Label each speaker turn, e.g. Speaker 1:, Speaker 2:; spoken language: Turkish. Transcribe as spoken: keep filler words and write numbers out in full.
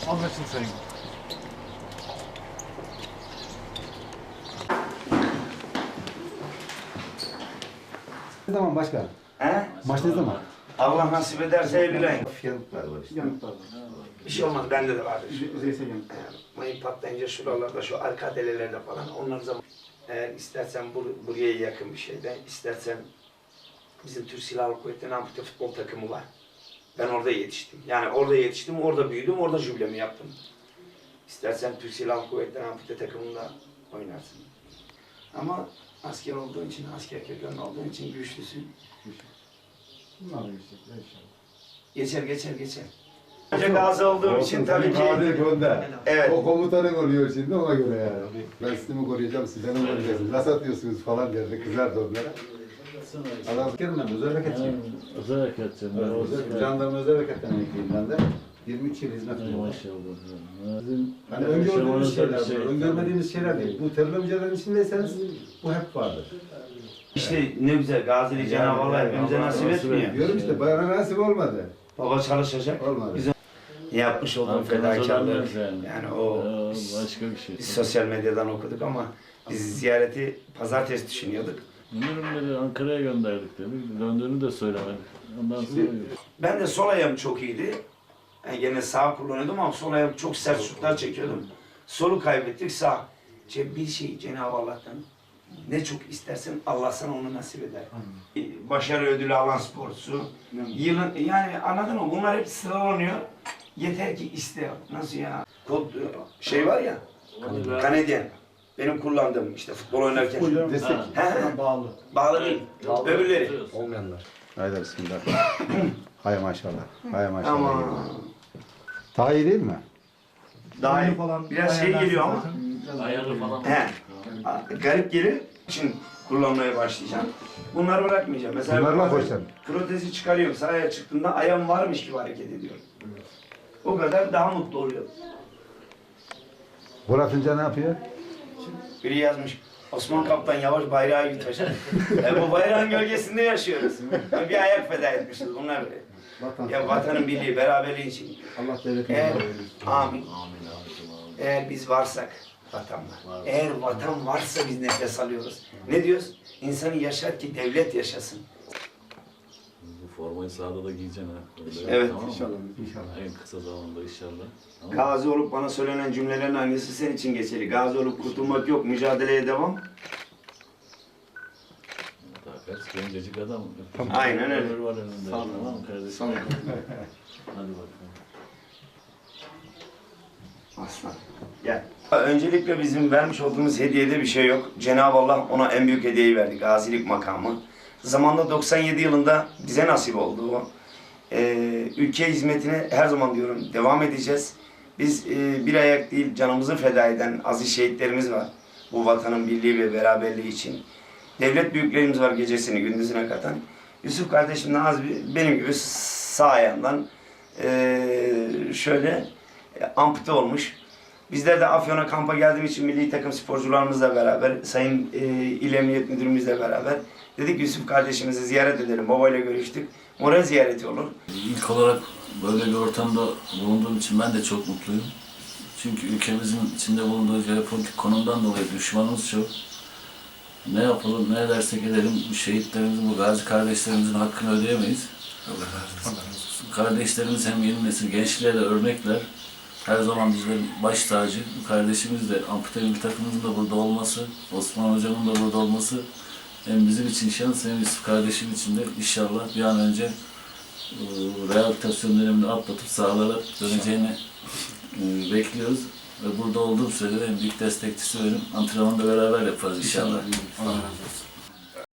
Speaker 1: Anlaşıldı sayın.
Speaker 2: Ne zaman başkan?
Speaker 3: He?
Speaker 2: Maç ne zaman?
Speaker 3: Allah nasip ederse Eylül ayında.
Speaker 2: Yanıklar var işte.
Speaker 1: Yanıklar var.
Speaker 3: Bir şey olmaz, bende de vardır.
Speaker 1: Yüzeysel yanık.
Speaker 3: Ee, Mayın patlayınca şuralarda, şu arka delelerde falan onlar zaman. Eğer istersen bur buraya yakın bir şeyde, istersen bizim Türk Silahlı Kuvvetleri'nin ampute futbol takımı var. Ben orada yetiştim. Yani orada yetiştim, orada büyüdüm, orada jübilemi yaptım. İstersen Türk Silahlı Kuvvetleri'nin ampute takımında oynarsın. Ama asker olduğun için, asker kökenli olduğun için güçlüsün.
Speaker 1: Bunlar da yüksek inşallah.
Speaker 3: Geçer, geçer, geçer. Önce gazi olduğum için tabii ki...
Speaker 2: gönder.
Speaker 3: Evet.
Speaker 2: O komutanın oluyor şimdi ona göre yani. Ben sizi mi koruyacağım, size mi koruyacaksınız? Nasıl atıyorsunuz falan derdi, kızardı onlara. Adam askerim ben, özel harekatçıyım.
Speaker 4: Özel harekatçıyım.
Speaker 2: Özel, jandarma özel harekattan emekliyim ben de. yirmi üç yıl hizmet ediyorum.
Speaker 4: Maşallah.
Speaker 2: Hani öngördüğümüz şeyler var, öngörmediğimiz şeyler değil. Bu terörle mücadelenin içindeyseniz bu hep vardır.
Speaker 3: İşte ne güzel, Gazili Cenab-ı Allah hepimize nasip etmiyor.
Speaker 2: Diyorum işte, bana nasip olmadı.
Speaker 3: Baba çalışacak.
Speaker 2: Olmadı.
Speaker 3: Bizim yapmış olduğum fedakarlık, yani o biz,
Speaker 4: başka bir şey.
Speaker 3: biz sosyal medyadan okuduk ama biz ziyareti pazartesi düşünüyorduk.
Speaker 4: Ürünleri Ankara'ya gönderdik dedik. Döndüğünü de söylemedik. Ondan sonra
Speaker 3: Ben de sol ayağım çok iyiydi. Yani gene sağ kullanıyordum ama sol ayağım çok sert şutlar çekiyordum. Solu kaybettik, sağ. Ce- Bir şey Cenab-ı Allah'tan ne çok istersen Allah sana onu nasip eder. Başarı ödülü alan sporcusu. Yılın, yani anladın mı? Bunlar hep sıralanıyor. Yeter ki iste. Nasıl ya? Kod, şey var ya, Kanadyen. Benim kullandığım işte futbol oynarken.
Speaker 2: Destek.
Speaker 3: He, he.
Speaker 1: Bağlı.
Speaker 3: Bağlı değil. Öbürleri.
Speaker 2: Olmayanlar. Haydi bismillah. Hay maşallah. Hay maşallah.
Speaker 3: Ama
Speaker 2: Daha iyi değil mi?
Speaker 3: daha iyi.
Speaker 1: Falan
Speaker 3: Biraz şey geliyor ama.
Speaker 4: ayarlı falan.
Speaker 3: He. Garip gelir için kullanmaya başlayacağım. Bunları bırakmayacağım. Mesela
Speaker 2: Bunlarla
Speaker 3: bazen
Speaker 2: koşacağım.
Speaker 3: protezi çıkarıyorum. Sahaya çıktığımda ayağım varmış gibi hareket ediyorum. O kadar daha mutlu oluyorum.
Speaker 2: Burak'ınca ne yapıyor?
Speaker 3: Biri yazmış. Osman Kaptan yavaş bayrağı yutacak. e, bu bayrağın gölgesinde yaşıyoruz. Bir ayak feda etmişiz bunlar böyle.
Speaker 2: Vatan.
Speaker 3: Ya vatanın birliği, beraberliği için.
Speaker 2: Allah devletini
Speaker 3: Eğer,
Speaker 2: verir.
Speaker 3: amin. Eğer biz varsak vatan var. Eğer vatan varsa biz nefes alıyoruz. Ne diyoruz? İnsanı yaşar ki devlet yaşasın.
Speaker 4: Bu formayı sahada da giyeceksin ha. Öyle,
Speaker 3: Evet.
Speaker 4: tamam mı?
Speaker 2: İnşallah. İnşallah.
Speaker 4: En kısa zamanda inşallah. Tamam.
Speaker 3: Gazi olup bana söylenen cümlelerin hangisi senin için geçerli? Gazi olup kurtulmak yok, mücadeleye devam.
Speaker 4: Takat, gencecik adam.
Speaker 3: Tamam. Aynen öyle.
Speaker 4: Ömür var önünde.
Speaker 1: Sağ olun.
Speaker 4: Tamam mı kardeşim?
Speaker 1: Sağ olun.
Speaker 4: Hadi bakalım.
Speaker 3: Aslan. Gel. Öncelikle bizim vermiş olduğumuz hediyede bir şey yok. Cenab-ı Allah ona en büyük hediyeyi verdi. Gazilik makamı. Zamanında doksan yedi yılında bize nasip oldu o. Ee, ülke hizmetine her zaman diyorum devam edeceğiz. Biz e, bir ayak değil canımızı feda eden aziz şehitlerimiz var. Bu vatanın birliği ve beraberliği için. Devlet büyüklerimiz var gecesini gündüzüne katan. Yusuf kardeşim de az bir, benim gibi sağ ayağından e, şöyle e, ampute olmuş. Bizler de Afyon'a kampa geldiğim için milli takım sporcularımızla beraber, Sayın e, İl Emniyet Müdürümüzle beraber dedik Yusuf kardeşimizi ziyaret edelim. Babayla görüştük. Moral ziyareti olur.
Speaker 4: İlk olarak böyle bir ortamda bulunduğum için ben de çok mutluyum. Çünkü ülkemizin içinde bulunduğu jeopolitik konumdan dolayı düşmanımız çok. Ne yapalım, ne edersek edelim bu şehitlerimizin, bu gazi kardeşlerimizin hakkını ödeyemeyiz. Kardeşlerimiz hem yeni nesil gençliğe de örnekler. Her zaman bizlerin baş tacı. Bu kardeşimiz de ampute bir takımımızın da burada olması, Osman hocamın da burada olması hem bizim için şans hem Yusuf kardeşim için de inşallah bir an önce e, rehabilitasyon dönemini atlatıp sahalara döneceğini e, bekliyoruz. Ve burada olduğum sürede en büyük destekçisi benim. Antrenmanda beraber yaparız inşallah.
Speaker 1: Allah razı olsun.